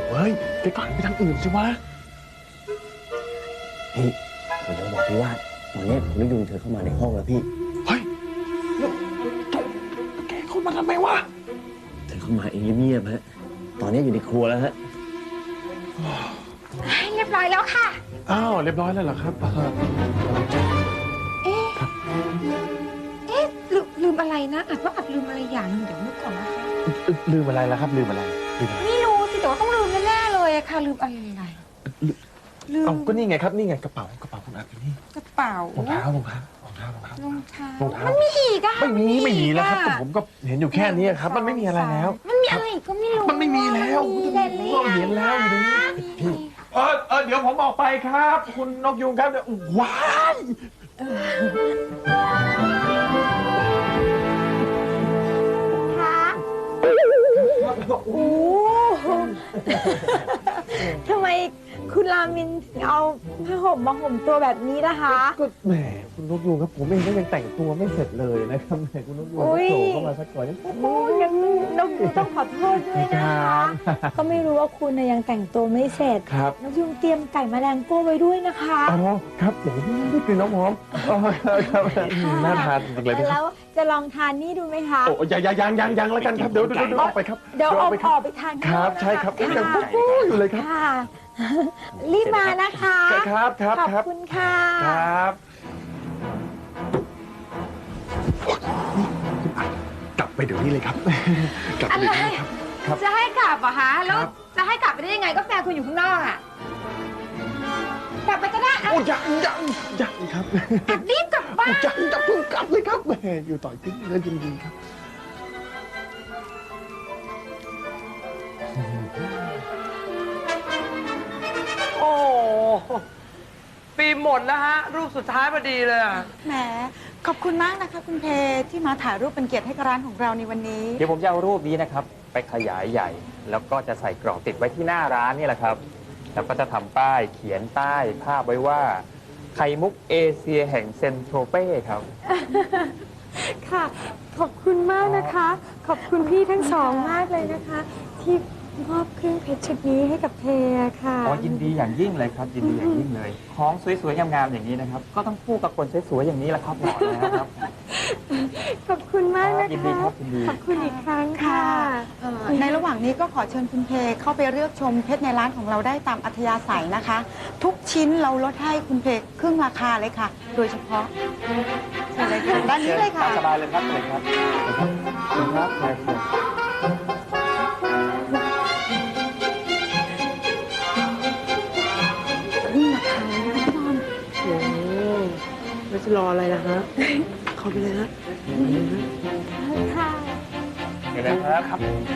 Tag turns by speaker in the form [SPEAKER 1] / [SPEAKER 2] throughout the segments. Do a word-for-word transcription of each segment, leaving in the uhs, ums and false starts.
[SPEAKER 1] เฮ้ยแกก็หันไปทางอื่นสิวะ
[SPEAKER 2] พี่ผมจะบอกพี่ว่าตอนนี้คุณนกยุงเธอเข้ามาในห้องแล้วพี่
[SPEAKER 1] เฮ้ยแล้วแกเข้ามาทำไมวะ
[SPEAKER 2] เธอเข้ามาเองเงียบๆฮะตอนนี้อยู่ในครัวแล้วฮะ
[SPEAKER 3] เรียบร้อยแล้วค่ะ
[SPEAKER 1] อ้าวเรียบร้อยแล้วเหรอครับ
[SPEAKER 3] เอ๊ะเอ๊ะลืมลืมอะไรนะอาจว่าอาจลืมอะไรอย่างหนึ่งเดี๋ยวนึกก่อนนะคะ
[SPEAKER 1] ลืมอะไรล่ะครับลืมอะไรลืมอะไร
[SPEAKER 3] ไม่รู้สิแต่ว่าต้องลืมแน่ๆเลยอะค่ะลืมอะไรลืม
[SPEAKER 1] เอาก็นี่ไงครับนี่ไงกระเป๋ากระเป๋าคุณอาอยู่นี่
[SPEAKER 3] กระเป๋าร
[SPEAKER 1] องเท้ารองเท้ารองเท้ารองเท้าร
[SPEAKER 3] องเท้าร
[SPEAKER 1] องเท้า
[SPEAKER 3] มันมีอีกอะ
[SPEAKER 1] ไม่มีไม่มีแล้วครับแต่ผมก็เห็นอยู่แค่นี้ครับมันไม่มีอะไรแล้ว
[SPEAKER 3] มันมีอะไรก็ไม่รู้
[SPEAKER 1] มันไม่มีแล้วเราเห็นแล้วอยู่นี่พี่เออเออเดี๋ยวผมออกไปครับคุณนกยุงครับเดี๋ยวว้าย
[SPEAKER 3] ค่ะโอ้ทำไมคุณรามินถึงเอาผ้าห่มมาห่มตัวแบบนี้ล่ะคะ
[SPEAKER 1] ก็แหมคุณนกยุงครับผมเองก็ยังแต่งตัวไม่เสร็จเลยนะครับแหมคุณนกยุงโผล่เข้ามาสักก่อนยัง
[SPEAKER 3] โอ้ยยังนกยุงต้องขอโทษด้วยนะคะก็ไม่รู้ว่าคุณยังแต่งตัวไม่เสร็จ
[SPEAKER 1] ครับ
[SPEAKER 3] นกยุงเตรียมไก่แมลงโก้ไว้ด้วยนะคะ
[SPEAKER 1] อ๋อครับโอ้ยได้กลิ่นน้ำหอมอ๋อครับน่าทานจริงเลย
[SPEAKER 3] แล้วจะลองทานนี่ดูไหมคะ
[SPEAKER 1] โอ้ยยังยังยังยังแล้วกันครับเดี๋ยวเดี๋ยวออกไปครับ
[SPEAKER 3] เดี๋ยวออกออกไปทาน
[SPEAKER 1] ครับใช่ครับยังปุ๊บอยู่เลยครับ
[SPEAKER 3] รีบมานะคะ
[SPEAKER 1] ครับครับ
[SPEAKER 3] ขอบคุณค่ะ
[SPEAKER 1] ครับกลับไปเดี๋ยวนี้เลยครับกลับไปเดี๋ยวนี้ครับ
[SPEAKER 3] จะให้กลับเหรอคะแล้วจะให้กลับไปได้ยังไงก็แฟนคุณอยู่ข้างนอกอ่ะกลับไปก็ได้
[SPEAKER 1] โอ้ยังยังยังครับ
[SPEAKER 3] รีบกลับบ้าน
[SPEAKER 1] ยังจะเพิ่งกลับเลยครับแหมอยู่ต่อยขึ้นเลยจริงๆครับ
[SPEAKER 4] โอ้ปีหมดแล้วฮะรูปสุดท้ายพอดีเลย
[SPEAKER 5] แหมขอบคุณมากนะคะคุณเพที่มาถ่ายรูปเป็นเกียรติให้กับร้านของเราในวันนี้
[SPEAKER 6] เดี๋ยวผมจะเอารูปนี้นะครับไปขยายใหญ่แล้วก็จะใส่กรอบติดไว้ที่หน้าร้านนี่แหละครับแล้วก็จะทำป้ายเขียนใต้ภาพไว้ว่าไข่มุกเอเชียแห่งเซนโทรเป้ครับ
[SPEAKER 5] ค่ะขอบคุณมากนะคะขอบคุณพี่ทั้งสองมากเลยนะคะที่มอบเครื่องเพชรชุดนี้ให้กับเพค่ะ
[SPEAKER 6] อ๋อยินดีอย่างยิ่งเลยครับยินดีอย่างยิ่งเลยของสวยๆงามๆอย่างนี้นะครับก็ต้องคู่กับคนสวยๆอย่างนี้แหละครับหมอนะครับ
[SPEAKER 5] ขอบคุณมากนะคะ
[SPEAKER 6] ยินดีครับยินดี
[SPEAKER 5] ขอบคุณอีกครั้งค่ะในระหว่างนี้ก็ขอเชิญคุณเพเข้าไปเลือกชมเพชรในร้านของเราได้ตามอัธยาศัยนะคะทุกชิ้นเราลดให้คุณเพครึ่งราคาเลยค่ะโดยเฉพาะเชิญเลยค่ะด้านนี้เลยค่ะ
[SPEAKER 6] สบายเลยครับเลยครับคุณครับใช่ครับ
[SPEAKER 5] นี่ราคาเลยนะพี่บอล
[SPEAKER 4] โอ้ไม่จะรออะไรนะฮะเข้าไปเลยนะ
[SPEAKER 5] ค่ะ
[SPEAKER 6] เดี๋ยวนะครับ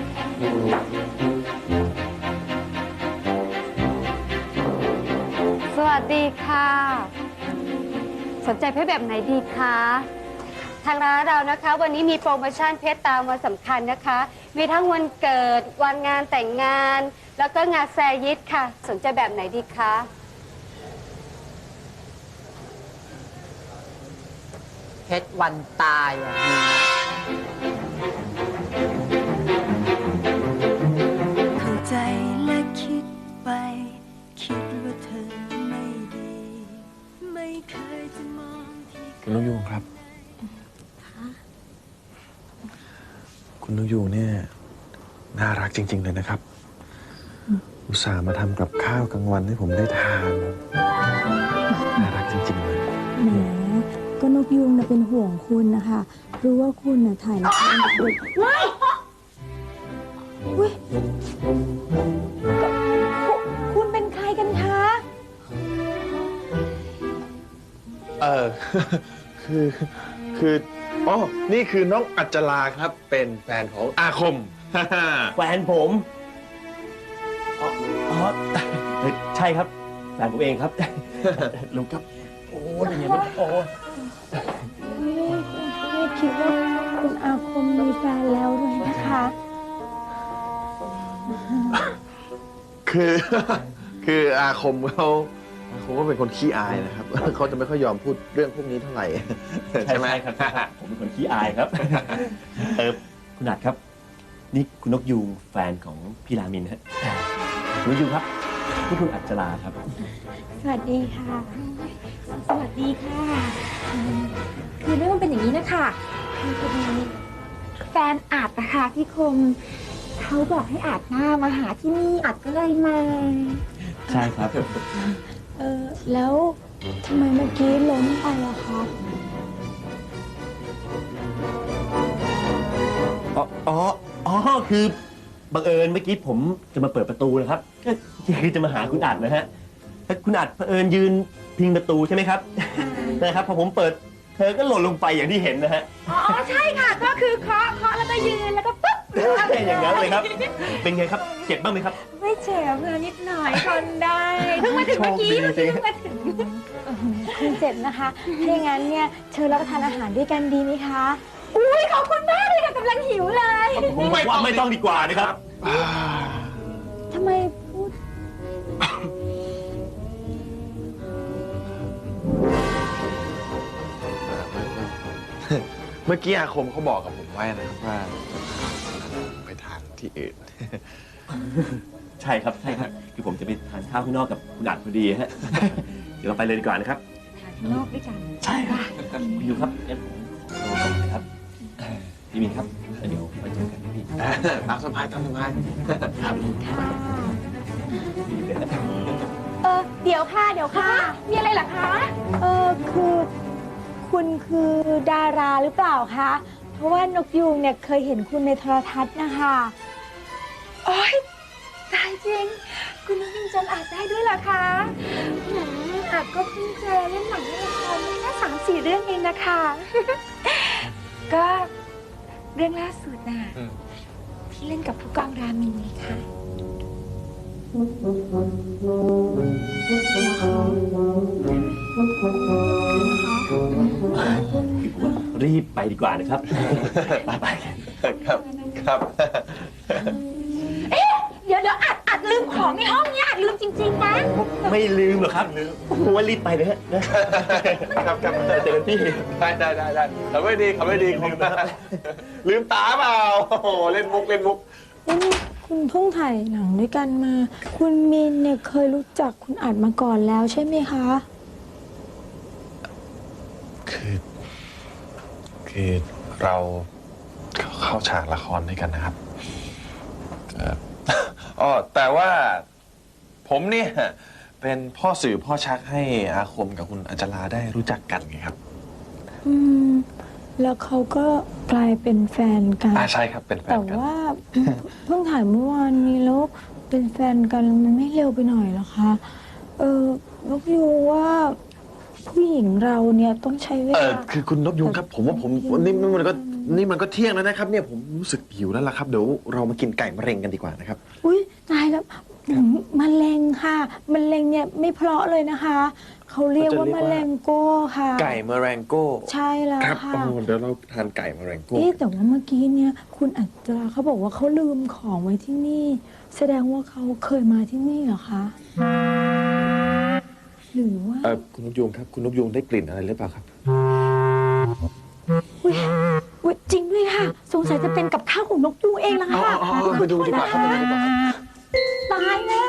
[SPEAKER 7] สวัสดีค่ะสนใจเพชรแบบไหนดีคะทางร้านเรานะคะวันนี้มีโปรโมชั่นเพชรตามวันสำคัญนะคะมีทั้งวันเกิดวันงานแต่งงานแล้วก็งานแซยิตค่ะสนใจแบบไหนดีคะ
[SPEAKER 8] เพชรวันตายอ่ะ
[SPEAKER 9] เข้าใจและคิดไปคิดว่าเธอไม่ดีไม่เคยจะมองที่
[SPEAKER 1] คุณนกยูงครับคุณนกยูงเนี่ยน่ารักจริงๆเลยนะครับอุตส่าห์มาทำกับข้าวกลางวันให้ผมได้ทานน่ารักจริงๆเลย
[SPEAKER 10] แหมก็นกยูงนะเป็นห่วงคุณนะคะรู้ว่าคุณน่ะถ่ายละครเด็กๆว้ายอุ้ยคุณเป็นใครกันคะ
[SPEAKER 1] เออคือคืออ๋อนี่คือน้องอัจจราครับเป็นแฟนของอาคม
[SPEAKER 2] แฟนผมอ๋อใช่ครับแฟนผมเองครับลุงครับโอ้ยอย่างนี้มันโอ้
[SPEAKER 10] ไม่คิดว่าคุณอาคมมีแฟนแล้วด้วยนะคะ
[SPEAKER 1] คือคืออาคมเขาอาคมก็เป็นคนขี้อายนะครับเขาจะไม่ค่อยยอมพูดเรื่องพวกนี้เท่าไหร่ใช่ไหม
[SPEAKER 2] ครับผมเป็นคนขี้อายครับเออคุณอัดครับนี่คุณนกยูงแฟนของพี่รามินฮะคุณยูครับนี่คุณอัจฉราครับ
[SPEAKER 10] สวัสดีค่ะ สวัสดีค่ะอืมคือเรื่องมันเป็นอย่างนี้นะคะคือพอดีแฟนอาจนะคะพี่คมเขาบอกให้อาจหน้ามาหาที่นี่อาจก็เลยมา
[SPEAKER 2] ใช่ครับ
[SPEAKER 10] เออแล้วทำไมเมื่อกี้ล้มไปอะคะ
[SPEAKER 2] อ๋ออ๋ออ๋อคือบังเอิญเมื่อกี้ผมจะมาเปิดประตูนะครับก็คือจะมาหาคุณอัดนะฮะแล้วคุณอัดเผอิญยืนพิงประตูใช่ไหมครับ นะครับพอผมเปิดเธอก็หล่นลงไปอย่างที่เห็นนะฮะ
[SPEAKER 3] อ๋อใช่ค่ะ ก็คือเคาะเคาะแล้วก็ยืนแล้วก็ปุ๊บ
[SPEAKER 2] อย่างนั้นเลยครับ เป็นไงครับเจ็บบ้างไหมครับ
[SPEAKER 3] ไม่เจ็บเลยนิดหน่อยทนได้เพิ่งมาถึงเมื่อกี้
[SPEAKER 2] โช
[SPEAKER 3] เมื่อ
[SPEAKER 2] คดี
[SPEAKER 3] กี้
[SPEAKER 2] จริง
[SPEAKER 3] เพิ่งมาถึง
[SPEAKER 10] คุณเจ็บนะคะ ถ้าอย่างนั้นเนี่ยเชิญรับประทานอาหารด้วยกันดีไหมคะ
[SPEAKER 3] อุ้ยขอบคุณมากเลยค่ะกำลังหิวเลย
[SPEAKER 2] ผมว่าไม่ต้องดีกว่านะครับ
[SPEAKER 10] ทำไมพูด
[SPEAKER 1] เมื่อกี้อาคมเขาบอกกับผมไว้นะครับว่าไปทานที่อื่น
[SPEAKER 2] ใช่ครับใช่ครับคือผมจะไปทานข้าวข้างนอกกับคุณอัดพอดีฮะ เดี๋ยวเราไปเลยดีกว่านะครับ
[SPEAKER 10] ข้างนอกด้วยกัน
[SPEAKER 2] ใช่ครับคุณยูครับงั้นผมขอตัวก่อนนะครับพี่มินครับเดี๋ยวไปเจอกันนะพี่
[SPEAKER 1] ตามสบายตามสบาย
[SPEAKER 2] ครับ
[SPEAKER 10] ค่ะ
[SPEAKER 2] ดีเลยนะ
[SPEAKER 10] เออเดี๋ยวค่ะ เดี๋ยวค่ะ
[SPEAKER 3] มีอะไรเหรอคะ
[SPEAKER 10] เออคือคุณคือดาราหรือเปล่าคะ เพราะว่านกยูงเนี่ยเคยเห็นคุณในโทรทัศน์นะคะ
[SPEAKER 3] โอ๊ยตายจริง คุณนุ้งจำอาจได้ด้วยเหรอคะหืมอาจก็เพิ่งเจอเล่นหนังเล่นละครแค่สามสี่เรื่องเองนะคะ ก็เรื่องล่าสุดน่ะที่เล่นกับผู้กองรามินไงคะ
[SPEAKER 2] รีบไปดีกว่านะครับ ไปไปกัน
[SPEAKER 1] ครับครับ
[SPEAKER 3] เดี๋ยวเดี๋ยวอัดอัดลืมของในห้องเนี่ยอัดลืมจริงๆนะ
[SPEAKER 2] ไม่ลืมหรอกครับผมว่ารีบไปเลยฮะนะครับครับเจอกันที่
[SPEAKER 1] ได้ได้ได้ได้ทำไม่ดีทำไม่ดีลืมตาลืมตาเปล่าโอ้โหเล่นมุกเล่นมุก
[SPEAKER 10] นี่คุณเพิ่งถ่ายหนังด้วยกันมา คุณมินเนี่ยเคยรู้จักคุณอัดมาก่อนแล้วใช่ไหมคะ
[SPEAKER 1] คือคือเราเข้าฉากละครด้วยกันนะครับเอ่ออ๋อแต่ว่าผมเนี่ยเป็นพ่อสื่อพ่อชักให้อาคมกับคุณอัจฉราได้รู้จักกันไงครับ
[SPEAKER 10] อืม แล้วเขาก็กลายเป็นแฟนกัน
[SPEAKER 1] อ่าใช่ครับเป็นแฟ
[SPEAKER 10] แต่
[SPEAKER 1] นกัน
[SPEAKER 10] ว่าเพิ่งเพิ่งถ่ายเมื่อวานนี้แล้วเป็นแฟนกันมันไม่เร็วไปหน่อยเหรอคะ เออนกยูงว่าผู้หญิงเราเนี่ยต้องใช้เว
[SPEAKER 1] เอ
[SPEAKER 10] ลา
[SPEAKER 1] อคือคุณนกยุงครับ ผมว่าผมนี่มันก็นี่มันก็เที่ยงแล้วนะครับ เนี่ยผมรู้สึกหิวแล้วล่ะครับเดี๋ยวเรามากินไก่มะเร็งกันดีกว่านะครับ
[SPEAKER 10] อุ้ยตายแล้วอืมมะเร็งค่ะมะเร็งเนี่ยไม่เพราะเลยนะคะ เขาเรียกว่ามะเร็งโก้ค่ะ
[SPEAKER 1] ไก่มะเร็งโก้
[SPEAKER 10] ใช่แล้ว
[SPEAKER 1] ครับ
[SPEAKER 10] ค่ะ
[SPEAKER 1] โอ้เดี๋ยวเราทานไก่มะเร็งโก้
[SPEAKER 10] เอ๊ะแต่ว่าเมื่อกี้เนี่ยคุณอัจราเขาบอกว่าเขาลืมของไว้ที่นี่ แสดงว่าเขาเคยมาที่นี่เหรอคะหรือว่า
[SPEAKER 1] เออคุณนกยุงครับคุณนกยุงได้กลิ่นอะไรหรือเปล่าครับ
[SPEAKER 10] อุ๊ยอุ๊ยจริงด้วยค่ะ สงสัยจะเป็นกับข้าวของนกยูงเองละค่ะ
[SPEAKER 1] อ๋ออ๋อไปดูดีกว่าครับไปดูดีกว่า
[SPEAKER 10] ตายแล้ว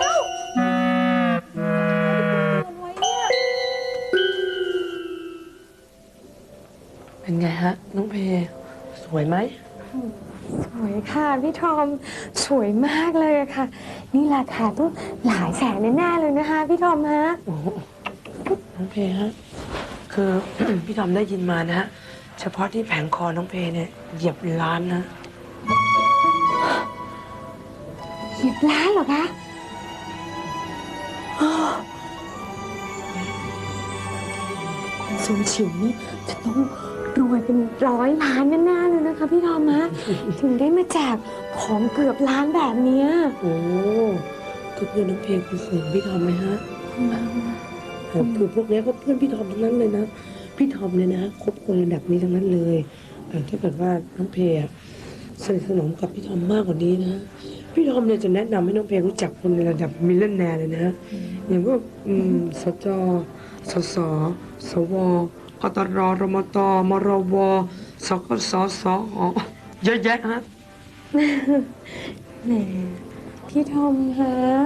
[SPEAKER 4] เป็นไงฮะ น้องเพสวยไหม
[SPEAKER 10] สวยค่ะพี่ทอมสวยมากเลยอะค่ะ นี่ราคาต้องหลายแสนแน่ๆเลยนะคะพี่ทอมฮะ
[SPEAKER 4] น้องเพฮะ คือ พี่ทอมได้ยินมานะฮะ เฉพาะที่แผงคอน้องเพเนี่ยเหยียบล้านนะ
[SPEAKER 10] เหยียบล้านเหรอคะอ้อคุณซูชิวนี่จะต้องรวยเป็นร้อยล้านแน่ๆเลยนะคะพี่ทอมฮะ ถึงได้มาแจกของเกือบล้านแบบเนี้ย
[SPEAKER 4] โอ้คือเพื่อนน้องเพคือเสียงพี่ทอมไหมฮะโอ้คือพวกเนี้ยก็เพื่อนพี่ทอมทั้งนั้นเลยนะ พี่ทอมเนี่ยนะคบคนระดับนี้ทั้งนั้นเลยเออถ้าเกิดว่าน้องเพอะสนิทสนมกับพี่ทอมมากกว่านี้นะ พี่ทอมเนี่ยจะแนะนำให้น้องเพรู้จักคนในระดับมิลเลนแนร์เลยนะ อย่างพวกอืมสจ สส สว กตร รมต มรว สกส สห เยอะแยะฮะ
[SPEAKER 10] แหมพี่ทอมฮะ